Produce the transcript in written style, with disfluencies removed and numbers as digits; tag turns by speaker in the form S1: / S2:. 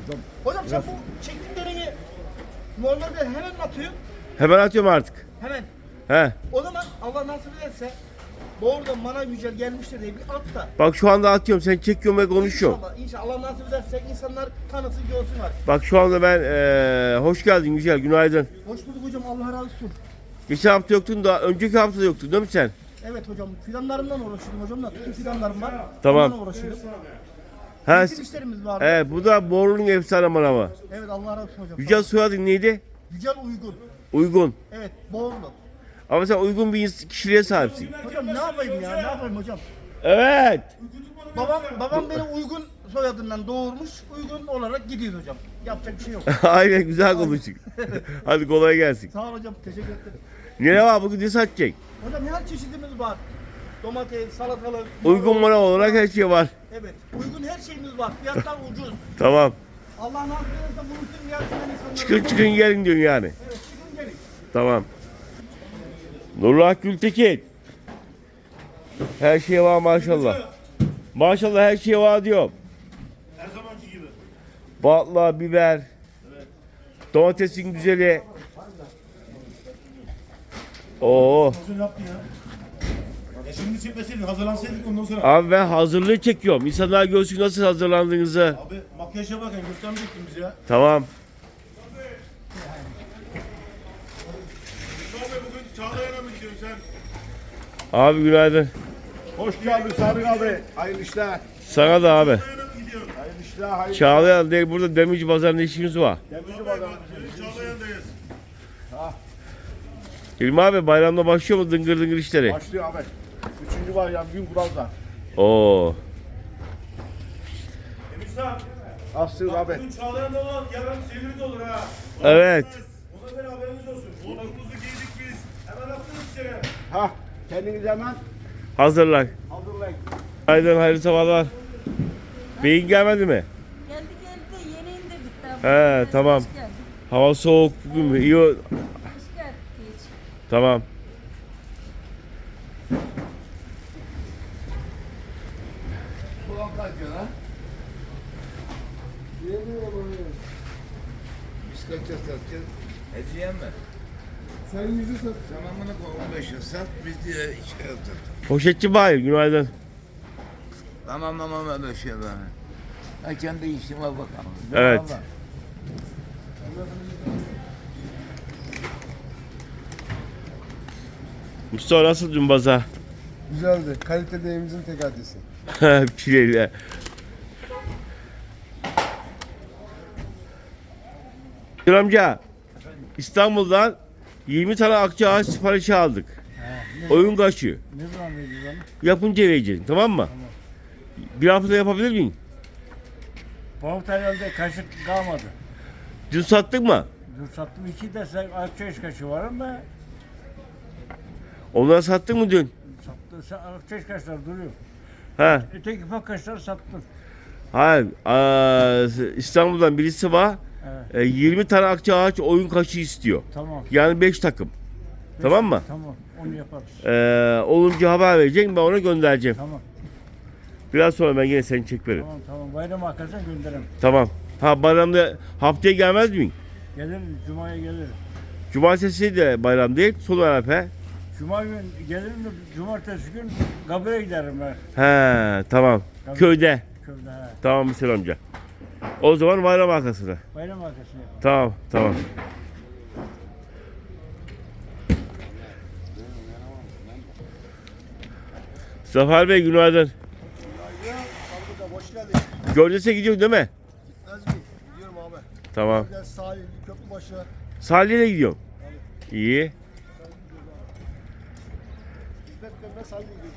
S1: Hocam sen bu çektiklerini normalde hemen mi atıyorsun?
S2: Hemen atıyorum artık.
S1: Hemen.
S2: He.
S1: O zaman Allah nasip ederse doğrudan bana güzel gelmiştir diye bir at da.
S2: Bak şu anda atıyorum. Sen çekiyorsun ve konuşuyorsun.
S1: İnşallah Allah nasip ederse insanlar tanısın görsünler.
S2: Bak şu anda ben hoş geldin Yücel. Günaydın.
S1: Hoş bulduk hocam, Allah razı olsun.
S2: Geçen hafta yoktun da önceki hafta da yoktun değil mi sen?
S1: Evet hocam, fidanlarımdan uğraşıyordum hocam da. Tüm fidanlarım var.
S2: Tamam.
S1: Ondan uğraşıyordum.
S2: Ha,
S1: Bizim işlerimiz var.
S2: evet, bu da Borlu'nun efsane manavı.
S1: Evet, Allah razı olsun hocam.
S2: Yücel soyadın neydi?
S1: Yücel Uygun.
S2: Uygun.
S1: Evet, Boğurlu.
S2: Ama sen uygun bir kişiliğe sahipsin.
S1: Hocam ne yapayım ya, ne yapayım hocam?
S2: Evet.
S1: Babam beni Uygun soyadından doğurmuş, Uygun olarak gidiyoruz hocam. Yapacak bir şey yok.
S2: Aynen, güzel konuştuk. Hadi kolay gelsin.
S1: Sağ ol hocam, teşekkür ederim.
S2: Ne var bugün, ne satacak?
S1: Hocam her çeşidimiz var. Domates, salatalık.
S2: Uygun manav olarak her şey var.
S1: Evet, uygun her şeyimiz var. Fiyatlar ucuz.
S2: Tamam.
S1: Allah nasip ederse buluşsun gelsinler insanlar.
S2: Çıkın gelin diyorsun yani.
S1: Evet, çıkın gelin.
S2: Tamam. Nurullah Gültekin. Her şey var maşallah. Maşallah her şey var diyorum.
S3: Her zamanki gibi.
S2: Batla, biber. Domatesin güzeli. Oo.
S3: Nasıl yaptın ya? Şimdi çekmeseydin, hazırlansaydık ondan sonra.
S2: Abi ben hazırlığı çekiyorum. İnsanlar görsün nasıl hazırlandığınızı.
S3: Abi makyaja bakın, göstermeyecektin bizi ya.
S2: Tamam.
S3: Abi bugün Çağlayan'a mı gidiyorsun sen?
S2: Abi günaydın.
S4: Hoş geldin Sadık abi. Hayırlı işler.
S2: Sana da abi.
S3: Çağlayan'a mı gidiyorsun?
S4: Hayırlı işler. Hayırlı
S2: Çağlayan değil, burada Demirci Pazarı'nda işimiz var.
S4: Demirci
S3: Abi
S4: bakalım.
S3: bak, Çağlayan'dayız.
S2: İlmi abi bayramda başlıyor mu dıngır dıngır işleri?
S4: Başlıyor abi. Üçüncü var ya, gün kuralda.
S2: Oo.
S3: Emirsan,
S4: Aslıyor
S3: bak
S4: abi.
S3: bugün Çağlayan'da olan yarın Silivri'de olur ha.
S2: Evet.
S3: Ona göre haberiniz olsun. Botumuzu giydik biz. Hemen attık içeri.
S4: Ha, kendinizi hemen
S2: Hazırlan.
S4: hazırlayın.
S2: Hayırlı hayırlı sabahlar. Beyin gelmedi mi?
S5: Geldi yeni indirdik
S2: He
S5: daha.
S2: tamam.
S5: Hoş geldik.
S2: Hava soğuk bugün. İyi.
S5: Hoş geldik hiç.
S2: Tamam.
S4: Ulan kaçıyor ha? Biz kaçacağız satacağız.
S6: Hediye mi?
S4: Sen yüzü sat.
S6: Tamamını 15 yıl sat, biz diye şey yaptık.
S2: Poşetçi Bahir günaydın.
S6: Tamam öyle şey ben. Ha kendi işime bakalım.
S2: Evet.
S6: Vallahi.
S2: Mustafa nasıl dün pazar?
S4: Güzeldi. Kalitede evimizin tek adresi.
S2: Pileyle. Gül amca, İstanbul'dan 20 tane akçaağaç siparişi aldık. Oyun kaçıyor.
S1: Ne zaman vereceğiz onu?
S2: Yapınca vereceksin, tamam mı? Bir hafta yapabilir miyim?
S7: Bu hafta herhalde kaşık kalmadı.
S2: Dün sattık mı?
S7: Dur sattım 2 desek Akçeş kaşı var ama
S2: Onları sattık mı dün?
S7: Akçeş kaşlar duruyor.
S2: Ha,
S7: Öteki ufak kaşları sattım.
S2: hayır. İstanbul'dan birisi var.
S7: Evet.
S2: 20 tane akçaağaç oyun kaçı istiyor.
S7: Tamam.
S2: Yani 5 takım. Tamam mı?
S7: Tamam. Onu yaparız.
S2: Olunca haber vereceksin, ben ona göndereceğim.
S7: Tamam.
S2: Biraz sonra ben yine seni çek veririm.
S7: Tamam. Bayram arkasına gönderirim.
S2: Tamam. Ha, bayramda haftaya gelmez miyim?
S7: Gelirim. Cuma'ya gelirim.
S2: Cumartesi de bayram değil, son Arafa.
S7: Cuma gün gelirim de cumartesi gün Gabri'ye giderim ben.
S2: He, tamam.
S7: Tabii.
S2: Köyde.
S7: Köyde he.
S2: Tamam Hüseyin amca. O zaman bayram arkasına.
S7: Bayram arkasına yaparım.
S2: Tamam, tamam. Zafer Bey günaydın.
S4: Hoş geldin.
S2: Gölces'e gidiyorsun değil mi?
S4: Gitmez mi? Gidiyorum abi.
S2: Tamam.
S4: Gel sahil, Köprübaşı.
S2: Salih'e gidiyorum. İyi.
S4: Hizmet verme sahil gidiyoruz